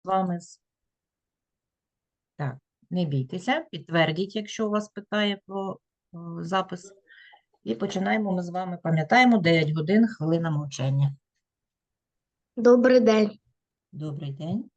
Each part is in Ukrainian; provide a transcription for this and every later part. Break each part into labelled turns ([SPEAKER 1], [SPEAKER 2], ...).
[SPEAKER 1] вами. Так, не бійтеся, підтвердіть, якщо у вас питає про запис. І починаємо ми з вами, пам'ятаємо, 9 годин, хвилина мовчання.
[SPEAKER 2] Добрий день.
[SPEAKER 1] Добрий день.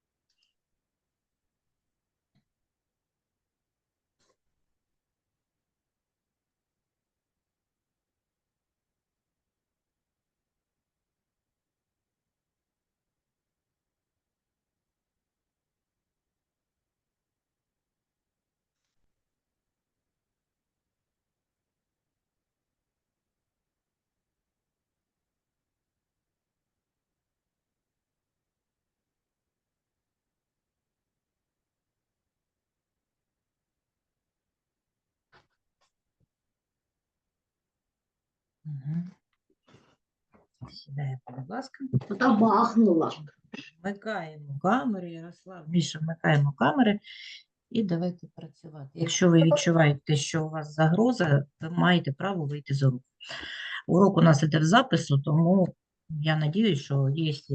[SPEAKER 1] Угу. Сідаємо, будь ласка.
[SPEAKER 2] Та бахнула.
[SPEAKER 1] Вмикаємо камери, Ярослав, Міша, вмикаємо камери і давайте працювати. Якщо ви відчуваєте, що у вас загроза, ви маєте право вийти з уроку. Урок у нас іде в запису, тому я надіюсь, що якщо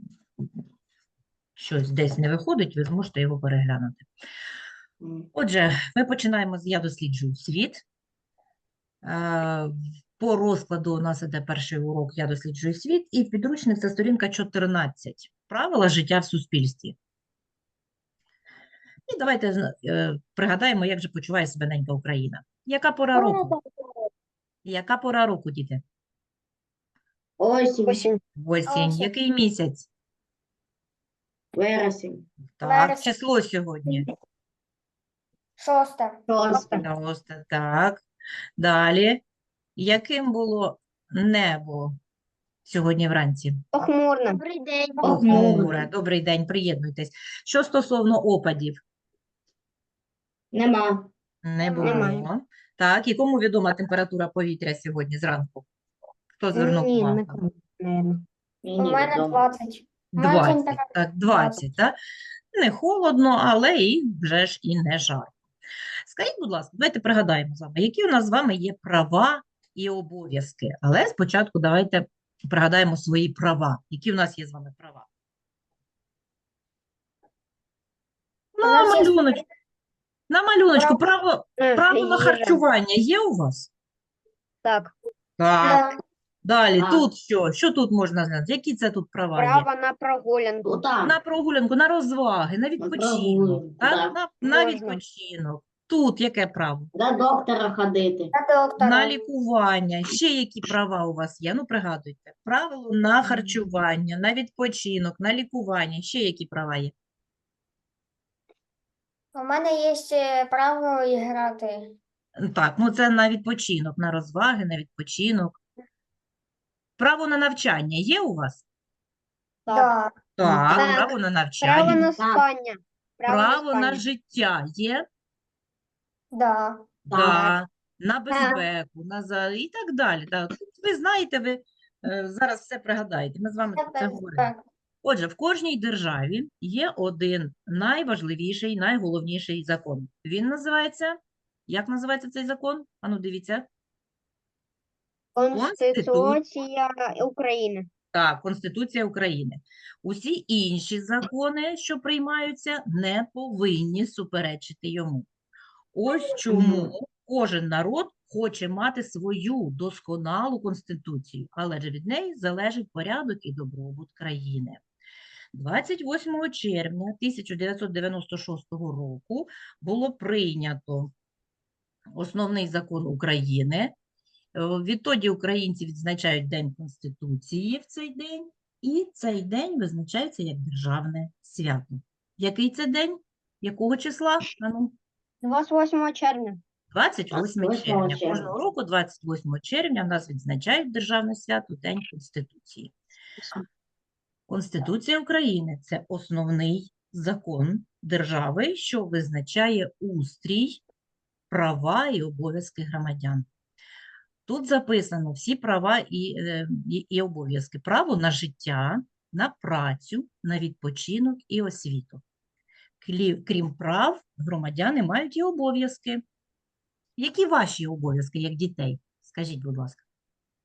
[SPEAKER 1] щось десь не виходить, ви зможете його переглянути. Отже, ми починаємо з «Я досліджую світ». По розкладу у нас іде перший урок «Я досліджую світ» і підручник – це сторінка 14. Правила життя в суспільстві. І давайте пригадаємо, як же почуває себе ненька Україна. Яка пора року? Яка пора року, діти?
[SPEAKER 2] Осінь.
[SPEAKER 1] Осінь. Який місяць?
[SPEAKER 2] Вересень.
[SPEAKER 1] Так,
[SPEAKER 3] Вересень.
[SPEAKER 1] число сьогодні.
[SPEAKER 3] 6.
[SPEAKER 1] Шосте, так. Далі. Яким було небо сьогодні вранці?
[SPEAKER 2] Похмурно. Добрий день.
[SPEAKER 1] Похмуре. Добрий день, приєднуйтесь. Що стосовно опадів?
[SPEAKER 2] Нема.
[SPEAKER 1] Не було.
[SPEAKER 2] Немає.
[SPEAKER 1] Так, і кому відома температура повітря сьогодні зранку? Хто звернув увагу?
[SPEAKER 3] У мене 20.
[SPEAKER 1] 20, так, 20, так? Не холодно, але і вже ж і не жарко. Скажіть, будь ласка, давайте пригадаємо з вами, які у нас з вами є права і обов'язки. Але спочатку давайте пригадаємо свої права. Які у нас є з вами права? На малюночку. Правила харчування є у вас?
[SPEAKER 2] Так.
[SPEAKER 1] Так. Далі,
[SPEAKER 2] Так.
[SPEAKER 1] тут що? Що тут можна знати? Які це тут права є?
[SPEAKER 2] Право на прогулянку.
[SPEAKER 1] На прогулянку, на розваги, на відпочинок.
[SPEAKER 2] прогулянку,
[SPEAKER 1] Так?
[SPEAKER 2] так.
[SPEAKER 1] На
[SPEAKER 2] Можна.
[SPEAKER 1] відпочинок. Тут яке право?
[SPEAKER 2] До доктора ходити.
[SPEAKER 3] На доктора.
[SPEAKER 1] На лікування. Ще які права у вас є? Ну, пригадуйте. Правило на харчування, на відпочинок, на лікування. Ще які права є?
[SPEAKER 3] У мене є ще право грати.
[SPEAKER 1] Так, ну це на відпочинок, на розваги, на відпочинок. Право на навчання є у вас?
[SPEAKER 3] Да.
[SPEAKER 1] Так,
[SPEAKER 2] Так.
[SPEAKER 1] право на
[SPEAKER 2] Право
[SPEAKER 1] навчання.
[SPEAKER 2] на спання.
[SPEAKER 1] Право на життя є?
[SPEAKER 3] Да.
[SPEAKER 1] Да. На безпеку, і так далі. Так. Ви знаєте, ви зараз все пригадаєте. Ми з вами про це говоримо.
[SPEAKER 3] Так.
[SPEAKER 1] Отже, в кожній державі є один найважливіший, найголовніший закон. Він називається, як називається цей закон? Ану, дивіться.
[SPEAKER 2] Конституція України.
[SPEAKER 1] Так, Конституція України. Усі інші закони, що приймаються, не повинні суперечити йому. Ось чому кожен народ хоче мати свою досконалу конституцію, але ж від неї залежить порядок і добробут країни. 28 червня 1996 року було прийнято основний закон України. Відтоді українці відзначають День Конституції в цей день, і цей день визначається як державне свято. Який це день? Якого числа? Ану?
[SPEAKER 2] 28 червня.
[SPEAKER 1] 28 червня. Кожного року 28 червня в нас відзначають державне свято День Конституції. Конституція України – це основний закон держави, що визначає устрій, права і обов'язки громадян. Тут записано всі права і обов'язки. Право на життя, на працю, на відпочинок і освіту. Крім прав, громадяни мають і обов'язки. Які ваші обов'язки, як дітей? Скажіть, будь ласка.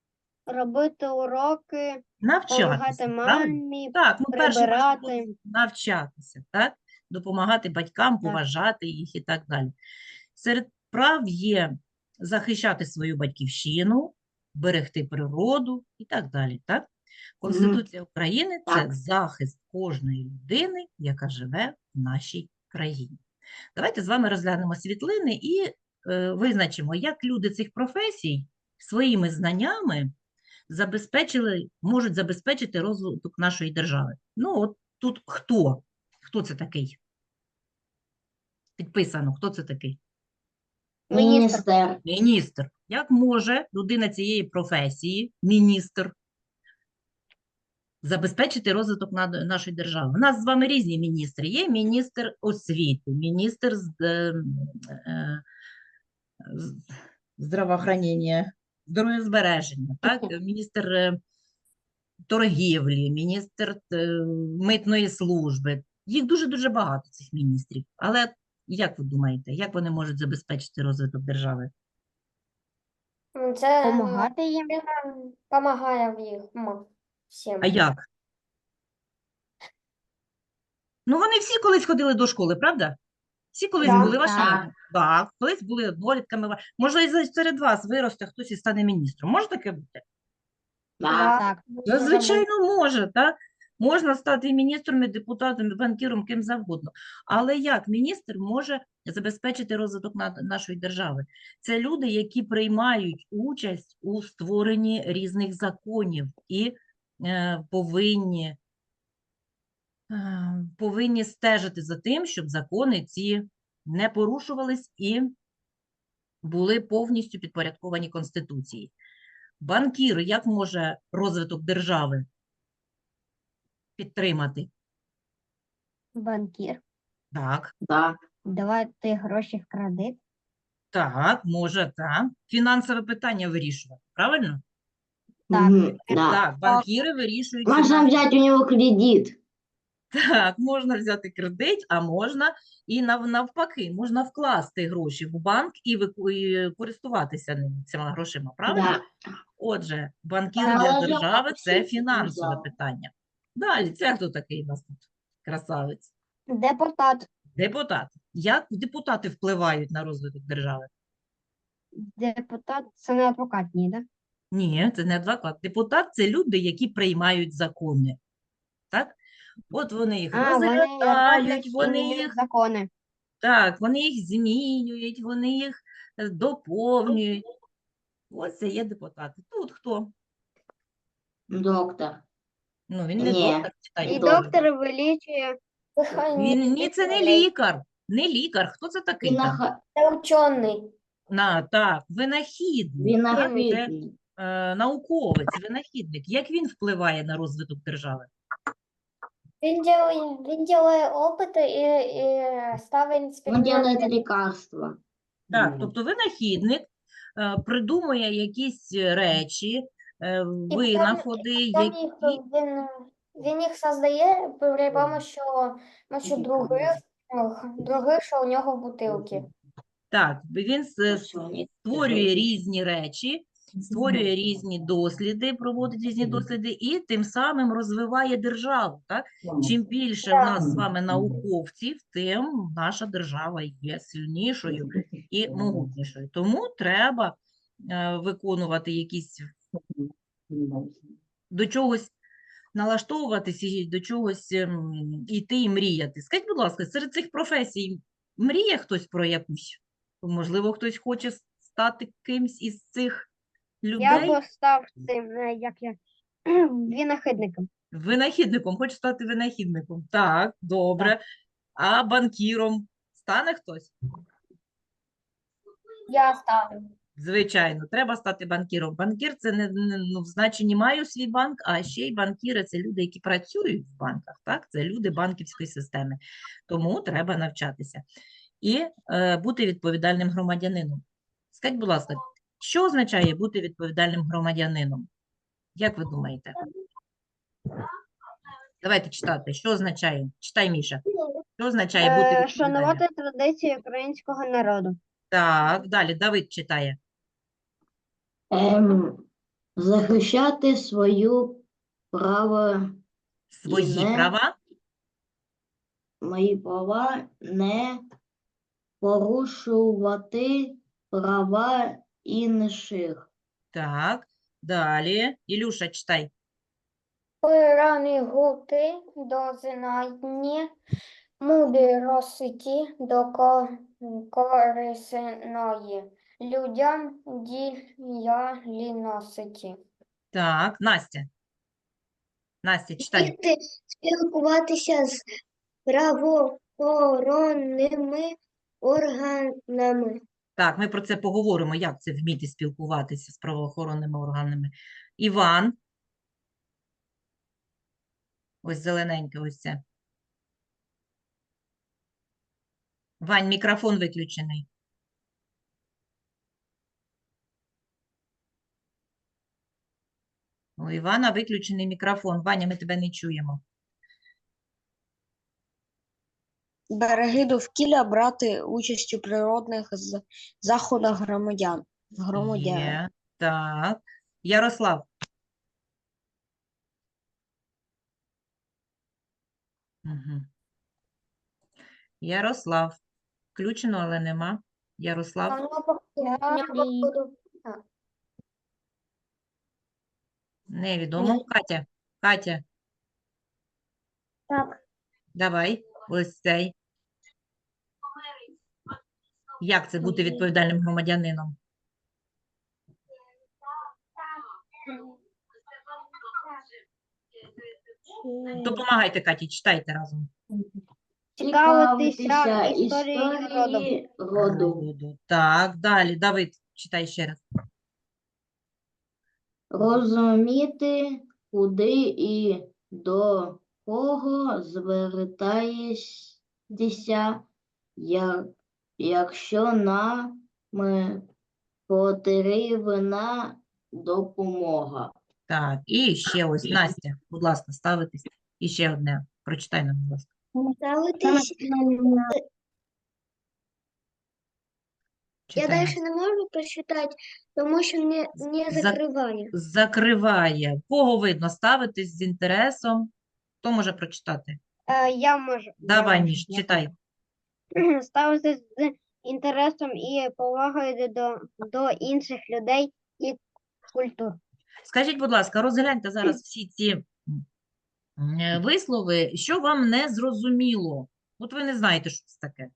[SPEAKER 2] робити уроки,
[SPEAKER 1] Навчатися,
[SPEAKER 2] допомагати
[SPEAKER 1] правильно?
[SPEAKER 2] мамі,
[SPEAKER 1] Так, ну перший ваш
[SPEAKER 2] прибирати.
[SPEAKER 1] обов'язок – навчатися, так? Допомагати батькам,
[SPEAKER 2] Так.
[SPEAKER 1] поважати їх і так далі. Серед прав є захищати свою батьківщину, берегти природу і так далі, так? Конституція України – це
[SPEAKER 2] Так.
[SPEAKER 1] захист кожної людини, яка живе в нашій країні. Давайте з вами розглянемо світлини і визначимо, як люди цих професій своїми знаннями можуть забезпечити розвиток нашої держави. Ну, от тут хто? Хто це такий? Підписано, хто це такий?
[SPEAKER 2] Міністр.
[SPEAKER 1] Міністр. Як може людина цієї професії, міністр, забезпечити розвиток нашої держави? У нас з вами різні міністри. Є міністр освіти, міністр здравоохранення, здоров'язбереження, так? Міністр торгівлі, міністр митної служби. Їх дуже-дуже багато, цих міністрів. Але як ви думаєте, як вони можуть забезпечити розвиток держави?
[SPEAKER 3] Це
[SPEAKER 2] Помагати їм.
[SPEAKER 3] допомагає в їх всім.
[SPEAKER 1] А як? Ну, вони всі колись ходили до школи, правда? Всі колись
[SPEAKER 3] Так,
[SPEAKER 1] були вашими?
[SPEAKER 2] так.
[SPEAKER 1] Так, колись були однолітками. Може, і серед вас виросте хтось і стане міністром. Може таке бути?
[SPEAKER 2] Так.
[SPEAKER 1] Та, звичайно, може, так? Можна стати і міністром, і депутатом, і банкіром, ким завгодно. Але як міністр може забезпечити розвиток нашої держави? Це люди, які приймають участь у створенні різних законів і повинні стежити за тим, щоб закони ці не порушувались і були повністю підпорядковані Конституції. Банкір, як може розвиток держави підтримати?
[SPEAKER 2] Банкір.
[SPEAKER 1] Так,
[SPEAKER 2] Давати гроші в кредит.
[SPEAKER 1] так, може, так. Фінансове питання вирішувати, правильно?
[SPEAKER 2] Так.
[SPEAKER 1] Так, банкіри вирішують
[SPEAKER 2] Можно
[SPEAKER 1] фінансове.
[SPEAKER 2] взять у него кредит.
[SPEAKER 1] Так, можна взяти кредит, а можна і навпаки, можна вкласти гроші в банк і користуватися цими грошима, правильно? Отже, банкір
[SPEAKER 2] Так.
[SPEAKER 1] для
[SPEAKER 2] Але ж
[SPEAKER 1] держави – це
[SPEAKER 2] всі
[SPEAKER 1] фінансове
[SPEAKER 2] взяли.
[SPEAKER 1] питання. Далі, це хто такий у нас тут? Красавець.
[SPEAKER 2] Депутат.
[SPEAKER 1] Депутат. Як депутати впливають на розвиток держави?
[SPEAKER 2] Депутат це не адвокат, ні, да?
[SPEAKER 1] Ні, це не адвокат. Депутат – це люди, які приймають закони. Так? От вони їх
[SPEAKER 2] Вони
[SPEAKER 1] розглядають,
[SPEAKER 2] роблять і
[SPEAKER 1] вони
[SPEAKER 2] міняють
[SPEAKER 1] їх,
[SPEAKER 2] закони.
[SPEAKER 1] так, вони їх змінюють, вони їх доповнюють. Ось це є депутати. Тут хто?
[SPEAKER 2] Доктор.
[SPEAKER 1] Ну, він не
[SPEAKER 2] Ні.
[SPEAKER 1] доктор, читайте.
[SPEAKER 2] І доктор вилічує.
[SPEAKER 1] Ні, це не лікар. Не лікар. Хто це такий там?
[SPEAKER 3] Це учений.
[SPEAKER 1] Так, винахідник. Це науковець, винахідник. Як він впливає на розвиток держави?
[SPEAKER 3] Він робить опити і ставить експерименти.
[SPEAKER 2] лекарства.
[SPEAKER 1] Так, тобто винахідник придумує якісь речі, винаходи, які...
[SPEAKER 3] Він їх создає при помощі других, що у нього в бутилці.
[SPEAKER 1] Так, він створює різні речі, створює різні досліди, проводить різні досліди і тим самим розвиває державу. Так? Чим більше у нас з вами науковців, тим наша держава є сильнішою і могутнішою. Тому треба виконувати якісь, до чогось налаштовуватися, і до чогось йти і мріяти. Скажіть, будь ласка, серед цих професій мріє хтось про якусь? Можливо, хтось хоче стати кимсь із цих людей?
[SPEAKER 2] Я б став цим, винахідником.
[SPEAKER 1] Винахідником, хоче стати винахідником. Так, добре. А банкіром стане хтось?
[SPEAKER 3] Я ставлю.
[SPEAKER 1] Звичайно, треба стати банкіром. Банкір – це не в значенні маю свій банк, а ще й банкіри – це люди, які працюють в банках. Так? Це люди банківської системи. Тому треба навчатися. І бути відповідальним громадянином. Скажіть, будь ласка, що означає бути відповідальним громадянином? Як ви думаєте? Давайте читати. Що означає? Читай, Міша. Що означає бути відповідальним?
[SPEAKER 2] Шанувати традиції українського народу.
[SPEAKER 1] Так, далі Давид читає.
[SPEAKER 4] захищати свою право
[SPEAKER 1] Свої
[SPEAKER 4] не-
[SPEAKER 1] права.
[SPEAKER 4] мої права, не порушувати права інших.
[SPEAKER 1] Так, далі. Ілюша, читай.
[SPEAKER 3] Пригнути до знання мудрості до корисної людям діяльності.
[SPEAKER 1] Так, Настя. Настя, читай.
[SPEAKER 5] Вміти спілкуватися з правоохоронними органами.
[SPEAKER 1] Так, ми про це поговоримо, як це вміти спілкуватися з правоохоронними органами. Іван. Ось зелененьке, ось це. Вань, мікрофон виключений. У Івана виключений мікрофон. Ваня, ми тебе не чуємо.
[SPEAKER 6] Береги довкілля, брати участь у природних заходах громадян.
[SPEAKER 1] Є. Так. Ярослав. Угу. Ярослав. Включено, але нема. Ярослав. Невідомо. Катя. Катя.
[SPEAKER 2] Так.
[SPEAKER 1] Давай. Ось цей. Як це бути відповідальним громадянином? Допомагайте, Каті, читайте разом.
[SPEAKER 2] Цікавитися історією роду.
[SPEAKER 4] історії роду.
[SPEAKER 1] Так, далі. Давид, читай ще раз.
[SPEAKER 4] Розуміти, куди і до кого звертаєшся, якщо нам потрібна допомога.
[SPEAKER 1] Так, і ще ось, Настя, будь ласка, ставитись. І ще одне. Прочитай нам, будь ласка.
[SPEAKER 5] Ставитись. Я
[SPEAKER 1] Читай нам.
[SPEAKER 5] далі не можу прочитати, тому що не закриває.
[SPEAKER 1] Закриває. Кого видно? Ставитись з інтересом. Хто може прочитати?
[SPEAKER 2] Я можу.
[SPEAKER 1] Давай, Міш, читай.
[SPEAKER 2] Ставитися з інтересом і повагою до інших людей і культур.
[SPEAKER 1] Скажіть, будь ласка, розгляньте зараз всі ці вислови, що вам не зрозуміло. От ви не знаєте, що це таке.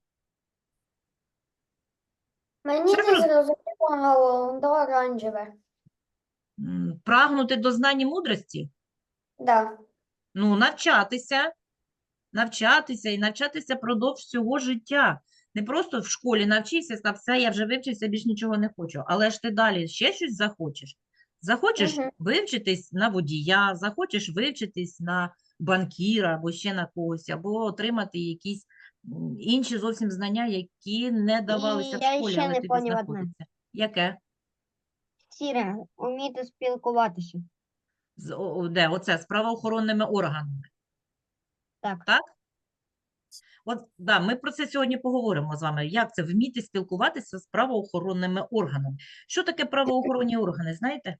[SPEAKER 3] Мені
[SPEAKER 1] Це
[SPEAKER 3] не зрозуміло до оранжеве.
[SPEAKER 1] Прагнути до знань і мудрості?
[SPEAKER 3] Да.
[SPEAKER 1] Ну, навчатися і навчатися продовж всього життя. Не просто в школі навчився, та все, я вже вивчився, більш нічого не хочу. Але ж ти далі ще щось захочеш. Захочеш
[SPEAKER 3] Мгм.
[SPEAKER 1] вивчитись на водія, захочеш вивчитись на банкіра або ще на когось, або отримати якісь інші зовсім знання, які не давалися в
[SPEAKER 2] я
[SPEAKER 1] школі,
[SPEAKER 2] ще
[SPEAKER 1] але
[SPEAKER 2] не
[SPEAKER 1] тобі
[SPEAKER 2] поняв одне.
[SPEAKER 1] знаходяться. Яке?
[SPEAKER 2] Сіре, вміти спілкуватися.
[SPEAKER 1] Де? Оце, з правоохоронними органами.
[SPEAKER 2] Так.
[SPEAKER 1] Так? От, да, ми про це сьогодні поговоримо з вами. Як це вміти спілкуватися з правоохоронними органами? Що таке правоохоронні органи, знаєте?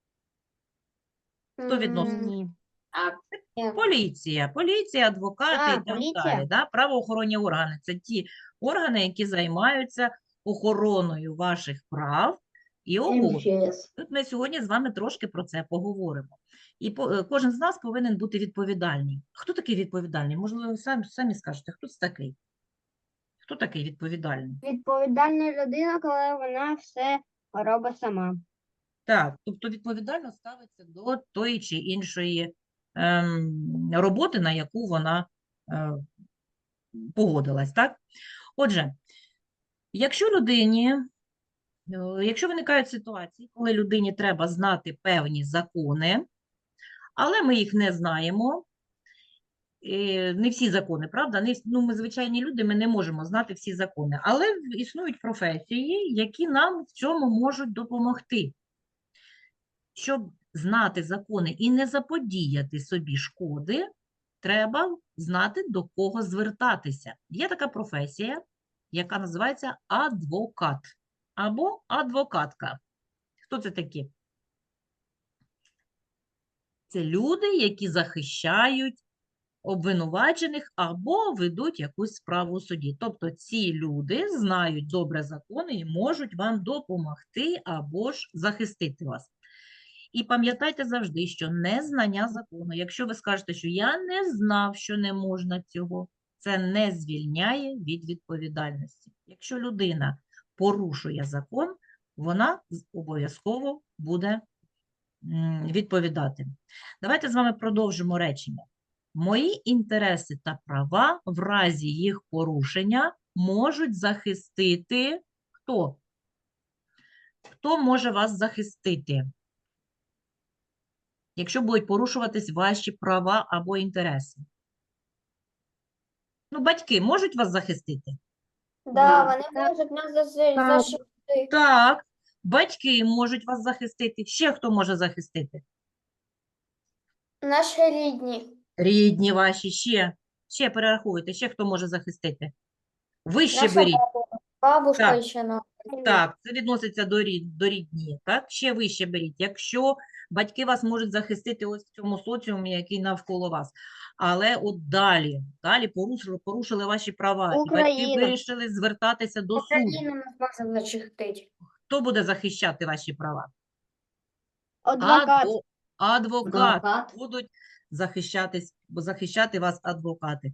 [SPEAKER 1] Хто відносить?
[SPEAKER 2] Ні.
[SPEAKER 1] Поліція, адвокати і так
[SPEAKER 2] поліція.
[SPEAKER 1] далі. Да? Правоохоронні органи – це ті органи, які займаються охороною ваших прав і обов'язків.
[SPEAKER 4] МЧС.
[SPEAKER 1] Тут ми сьогодні з вами трошки про це поговоримо. І кожен з нас повинен бути відповідальний. Хто такий відповідальний? Можливо, ви самі скажете, хто це такий? Хто такий відповідальний?
[SPEAKER 2] Відповідальна людина, коли вона все робить сама.
[SPEAKER 1] Так, тобто відповідально ставиться до тої чи іншої роботи, на яку вона погодилась, так? Отже, якщо виникають ситуації, коли людині треба знати певні закони, але ми їх не знаємо, не всі закони, правда? Ми звичайні люди, ми не можемо знати всі закони, але існують професії, які нам в цьому можуть допомогти. Щоб знати закони і не заподіяти собі шкоди, треба знати, до кого звертатися. Є така професія, яка називається адвокат або адвокатка. Хто це такі? Це люди, які захищають обвинувачених або ведуть якусь справу у суді. Тобто ці люди знають добре закони і можуть вам допомогти або ж захистити вас. І пам'ятайте завжди, що незнання закону, якщо ви скажете, що я не знав, що не можна цього, це не звільняє від відповідальності. Якщо людина порушує закон, вона обов'язково буде відповідати. Давайте з вами продовжимо речення. Мої інтереси та права в разі їх порушення можуть захистити хто? Хто може вас захистити? Якщо будуть порушуватись ваші права або інтереси. Ну, батьки можуть вас захистити?
[SPEAKER 3] Да, вони можуть нас защитити.
[SPEAKER 1] Так, батьки можуть вас захистити. Ще хто може захистити?
[SPEAKER 3] Наші рідні.
[SPEAKER 1] Рідні ваші, ще перераховуйте, ще хто може захистити. Вище
[SPEAKER 3] Наша
[SPEAKER 1] беріть.
[SPEAKER 3] бабушка
[SPEAKER 1] Так.
[SPEAKER 3] ще на.
[SPEAKER 1] Так, це відноситься до рідні, так? Ще вище беріть. Якщо батьки вас можуть захистити ось в цьому соціумі, який навколо вас. Але от далі порушили ваші права, і батьки
[SPEAKER 2] Україна.
[SPEAKER 1] вирішили звертатися до суду.
[SPEAKER 3] Україна нас може захистити.
[SPEAKER 1] Хто буде захищати ваші права?
[SPEAKER 2] Адвокат.
[SPEAKER 1] Адвокат.
[SPEAKER 4] Адвокат.
[SPEAKER 1] Будуть захищати вас адвокати.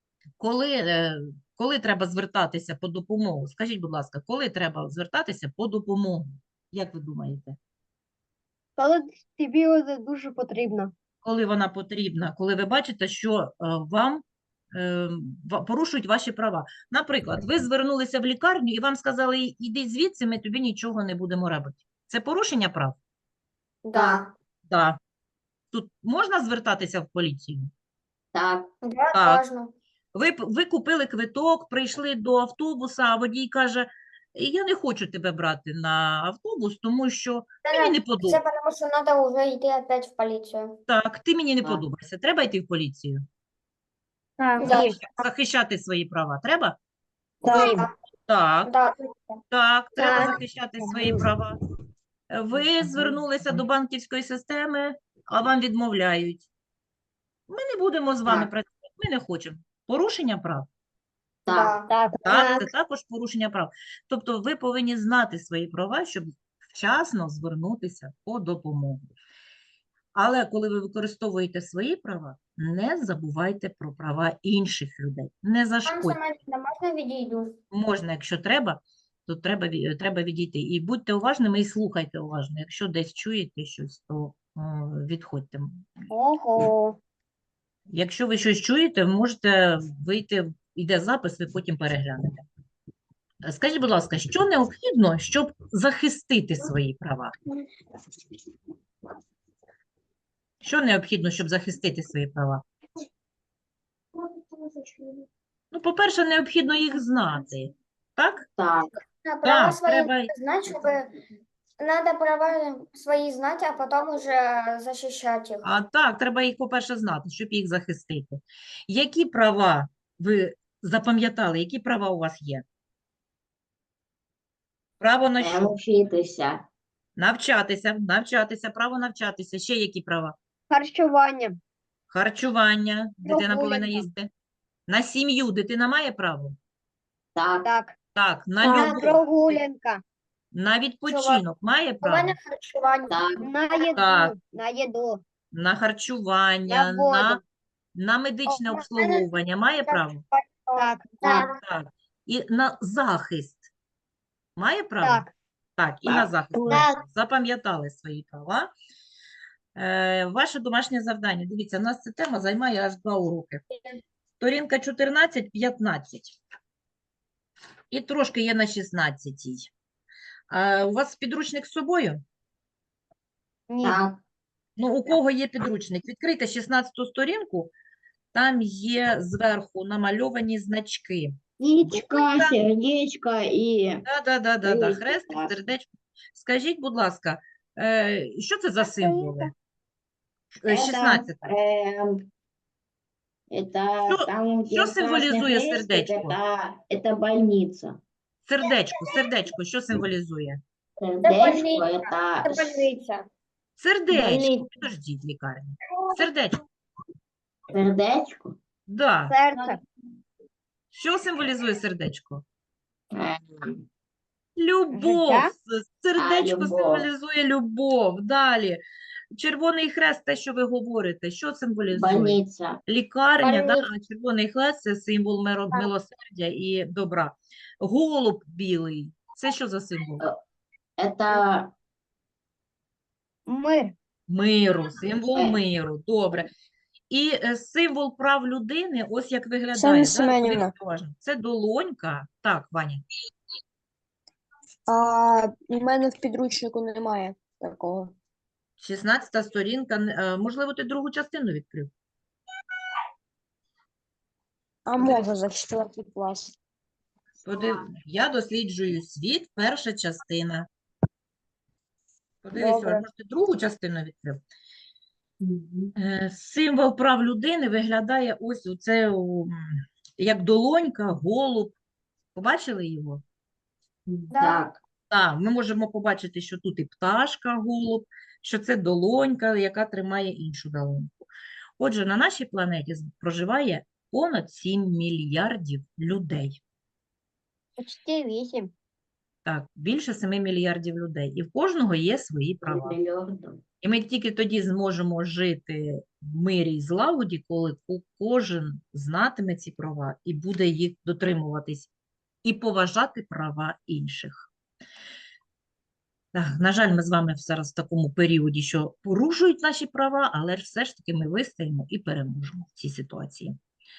[SPEAKER 1] Коли треба звертатися по допомогу? Скажіть, будь ласка, коли треба звертатися по допомогу? Як ви думаєте?
[SPEAKER 2] Коли тобі це дуже потрібно.
[SPEAKER 1] Коли вона потрібна? Коли ви бачите, що вам порушують ваші права. Наприклад, ви звернулися в лікарню і вам сказали, іди звідси, ми тобі нічого не будемо робити. Це порушення прав?
[SPEAKER 3] Да.
[SPEAKER 1] Так. Тут можна звертатися в поліцію?
[SPEAKER 4] Так.
[SPEAKER 3] Да,
[SPEAKER 1] Так.
[SPEAKER 3] можна.
[SPEAKER 1] Ви купили квиток, прийшли до автобуса, а водій каже, я не хочу тебе брати на автобус, тому що мені не
[SPEAKER 3] Це
[SPEAKER 1] подобається.
[SPEAKER 3] тому, що треба вже йти опять в поліцію.
[SPEAKER 1] Так, ти мені не
[SPEAKER 4] Так.
[SPEAKER 1] подобаєшся. Треба йти в поліцію?
[SPEAKER 2] Так.
[SPEAKER 3] Да.
[SPEAKER 1] Захищати свої права. Треба?
[SPEAKER 2] Так.
[SPEAKER 1] Так,
[SPEAKER 3] Да.
[SPEAKER 1] так, треба
[SPEAKER 2] Так.
[SPEAKER 1] захищати свої права. Ви звернулися до банківської системи, а вам відмовляють. Ми не будемо з вами
[SPEAKER 4] Так.
[SPEAKER 1] працювати, ми не хочемо. Порушення прав.
[SPEAKER 4] Так.
[SPEAKER 3] Да.
[SPEAKER 1] Так, це також порушення прав. Тобто ви повинні знати свої права, щоб вчасно звернутися по допомогу. Але коли ви використовуєте свої права, не забувайте про права інших людей. Не
[SPEAKER 3] Пан
[SPEAKER 1] зашкодьте.
[SPEAKER 3] Семенівна, можна відійду?
[SPEAKER 1] Можна, якщо треба, то треба відійти. І будьте уважними і слухайте уважно. Якщо десь чуєте щось, то відходьте.
[SPEAKER 2] Ого.
[SPEAKER 1] Якщо ви щось чуєте, можете вийти, йде запис, ви потім переглянете. Скажіть, будь ласка, що необхідно, щоб захистити свої права? Що необхідно, щоб захистити свої права? Ну, по-перше, необхідно їх знати. Так?
[SPEAKER 4] Так.
[SPEAKER 3] Права
[SPEAKER 1] Так,
[SPEAKER 3] свої
[SPEAKER 1] треба.
[SPEAKER 3] знати, щоб надо права свої знати, а потім уже захищати їх.
[SPEAKER 1] А так, треба їх, по-перше, знати, щоб їх захистити. Які права ви запам'ятали? Які права у вас є? Право на що?
[SPEAKER 4] Вчитися.
[SPEAKER 1] Навчатися, право навчатися. Ще які права?
[SPEAKER 2] Харчування.
[SPEAKER 1] Харчування, дитина повинна
[SPEAKER 2] Прогулянка.
[SPEAKER 1] їсти. На сім'ю дитина має право?
[SPEAKER 4] Так.
[SPEAKER 2] Так.
[SPEAKER 1] Так, на
[SPEAKER 2] На
[SPEAKER 1] любов,
[SPEAKER 2] прогулянка.
[SPEAKER 1] на відпочинок має
[SPEAKER 3] У
[SPEAKER 1] право?
[SPEAKER 3] мене харчування.
[SPEAKER 4] Так.
[SPEAKER 2] На їду.
[SPEAKER 1] Так.
[SPEAKER 2] На їду.
[SPEAKER 1] На харчування,
[SPEAKER 2] На воду.
[SPEAKER 1] на медичне
[SPEAKER 3] О, в мене
[SPEAKER 1] обслуговування має право?
[SPEAKER 2] Так.
[SPEAKER 4] Так.
[SPEAKER 1] Так. І на захист має право?
[SPEAKER 2] Так.
[SPEAKER 1] Так, і на
[SPEAKER 4] Так.
[SPEAKER 1] захист.
[SPEAKER 2] Так.
[SPEAKER 1] Запам'ятали свої права. Ваше домашнє завдання. Дивіться, у нас ця тема займає аж 2 уроки. Сторінка 14-15. І трошки є на 16-й. У вас підручник з собою?
[SPEAKER 2] Ні.
[SPEAKER 4] Так.
[SPEAKER 1] Ну, у кого є підручник? Відкрийте 16-ту сторінку. Там є зверху намальовані значки.
[SPEAKER 4] Яичко, сердечко і
[SPEAKER 1] Да.
[SPEAKER 4] Ой,
[SPEAKER 1] Хрестик,
[SPEAKER 4] класно.
[SPEAKER 1] сердечко. Скажіть, будь ласка, що це за символи? 16.
[SPEAKER 4] Это
[SPEAKER 1] Що-
[SPEAKER 4] там, где
[SPEAKER 1] що символізує
[SPEAKER 4] красный крестик,
[SPEAKER 1] сердечко?
[SPEAKER 4] Это больница.
[SPEAKER 1] Сердечко, що символізує?
[SPEAKER 4] Сердечко
[SPEAKER 3] больница.
[SPEAKER 4] это
[SPEAKER 3] Це больниця.
[SPEAKER 1] Сердечко.
[SPEAKER 4] Больниця.
[SPEAKER 1] Підождіть, лікарня. Сердечко.
[SPEAKER 4] Сердечко.
[SPEAKER 1] Да.
[SPEAKER 2] Серце.
[SPEAKER 1] Що символізує сердечко?
[SPEAKER 4] Е,
[SPEAKER 1] Любов.
[SPEAKER 2] Життя?
[SPEAKER 1] Сердечко
[SPEAKER 4] любов.
[SPEAKER 1] символізує любов. Далі. Червоний хрест, те, що ви говорите, що символізує?
[SPEAKER 4] Больниця.
[SPEAKER 1] Лікарня, да,
[SPEAKER 3] Больниця.
[SPEAKER 1] а червоний хрест – це символ милосердя і добра. Голуб білий – це що за символ?
[SPEAKER 4] Это
[SPEAKER 2] Мир.
[SPEAKER 1] Миру, символ
[SPEAKER 4] Е.
[SPEAKER 1] миру. Добре. І символ прав людини, ось як виглядає.
[SPEAKER 6] Оксана
[SPEAKER 1] Да?
[SPEAKER 6] Семенівна.
[SPEAKER 1] Подивіться уважно. Це долонька. Так, Ваня.
[SPEAKER 6] У мене в підручнику немає такого.
[SPEAKER 1] 16 сторінка. Можливо, ти другу частину відкрив?
[SPEAKER 6] А може за 4 клас.
[SPEAKER 1] Я досліджую світ, перша частина. Подивись,
[SPEAKER 6] Добре.
[SPEAKER 1] може, ти другу частину відкрив? Символ прав людини виглядає ось оце, як долонька, голуб. Побачили його?
[SPEAKER 4] так.
[SPEAKER 1] Так, ми можемо побачити, що тут і пташка, голуб, що це долонька, яка тримає іншу долоньку. Отже, на нашій планеті проживає понад 7 мільярдів людей.
[SPEAKER 2] Почти 8.
[SPEAKER 1] Так, більше 7 мільярдів людей. І в кожного є свої права.
[SPEAKER 4] Мільярдом.
[SPEAKER 1] І ми тільки тоді зможемо жити в мирі і злагоді, коли кожен знатиме ці права і буде їх дотримуватись, і поважати права інших. Так, на жаль, ми з вами зараз в такому періоді, що порушують наші права, але ж все ж таки ми вистоїмо і переможемо в цій ситуації.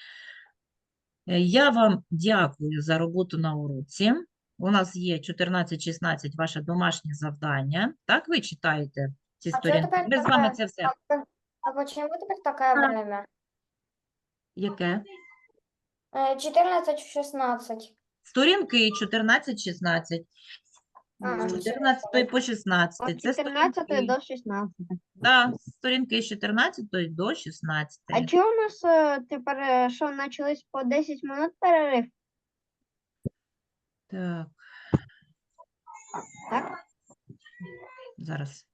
[SPEAKER 1] Я вам дякую за роботу на уроці. У нас є 14-16 ваше домашнє завдання. Так, ви читаєте ці
[SPEAKER 3] А чё
[SPEAKER 1] сторінки?
[SPEAKER 3] тепер
[SPEAKER 1] Ми з вами
[SPEAKER 3] таке?
[SPEAKER 1] це все.
[SPEAKER 3] А почему теперь такое время?
[SPEAKER 1] Яке?
[SPEAKER 3] 14 в 16.
[SPEAKER 1] Сторінки 14-16.
[SPEAKER 3] А,
[SPEAKER 1] З 14 по 16.
[SPEAKER 2] От
[SPEAKER 1] Це
[SPEAKER 2] 14
[SPEAKER 1] сторінки,
[SPEAKER 2] до 16.
[SPEAKER 1] да, сторінки з 14 до 16.
[SPEAKER 2] А чого у нас тепер що почались по 10 минут перерив?
[SPEAKER 1] Так,
[SPEAKER 2] Так?
[SPEAKER 1] зараз.